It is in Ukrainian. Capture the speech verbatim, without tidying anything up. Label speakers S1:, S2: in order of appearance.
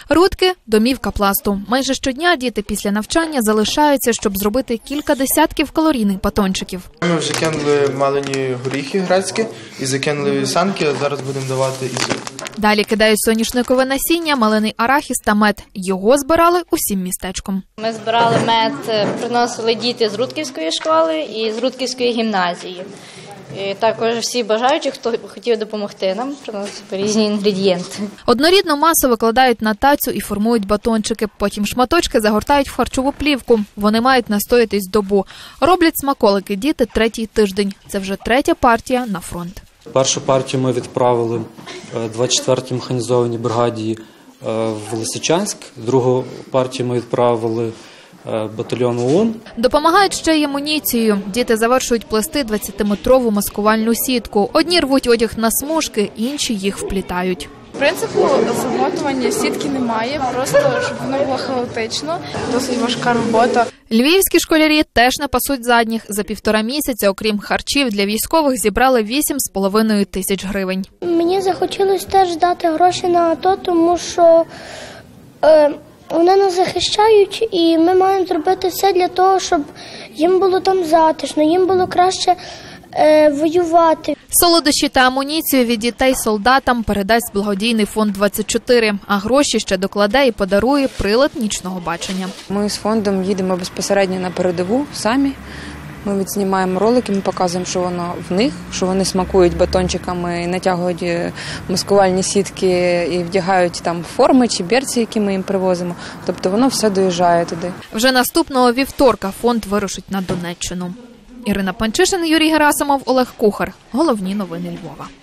S1: Рудки – домівка пласту. Майже щодня діти після навчання залишаються, щоб зробити кілька десятків калорійних батончиків.
S2: Ми вже кинули малині горіхи грецькі і закинули вівсянки, а зараз будемо давати і сир.
S1: Далі кидають соняшникове насіння, малиний арахіс та мед. Його збирали усім містечком.
S3: Ми збирали мед, приносили діти з Рудківської школи і з Рудківської гімназії. І також всі бажаючі, хто хотів допомогти нам, приносили різні інгредієнти.
S1: Однорідну масу викладають на тацю і формують батончики. Потім шматочки загортають в харчову плівку. Вони мають настоятись добу. Роблять смаколики діти третій тиждень. Це вже третя партія на фронт.
S4: Першу партію ми відправили двадцять четвертій механізованій бригаді в Лисичанськ. Другу партію ми відправили батальйон ОУН.
S1: Допомагають ще й амуніцією. Діти завершують плести двадцятиметрову маскувальну сітку. Одні рвуть одяг на смужки, інші їх вплітають.
S5: Принципу замотування сітки немає, просто щоб воно було хаотично. Досить важка робота.
S1: Львівські школярі теж не пасуть задніх. За півтора місяця, окрім харчів, для військових зібрали вісім з половиною тисяч гривень.
S6: Мені захотілося теж дати гроші на АТО, тому що е, вони нас захищають, і ми маємо зробити все для того, щоб їм було там затишно, їм було краще е, воювати.
S1: Солодощі та амуніцію від дітей солдатам передасть благодійний фонд двадцять чотири, а гроші ще докладе і подарує прилад нічного бачення.
S7: Ми з фондом їдемо безпосередньо на передову самі. Ми відзнімаємо ролики, ми показуємо, що воно в них, що вони смакують батончиками, натягують маскувальні сітки і вдягають там форми чи берці, які ми їм привозимо. Тобто воно все доїжджає туди.
S1: Вже наступного вівторка фонд вирушить на Донеччину. Ірина Панчишин, Юрій Герасимов, Олег Кухар. Головні новини Львова.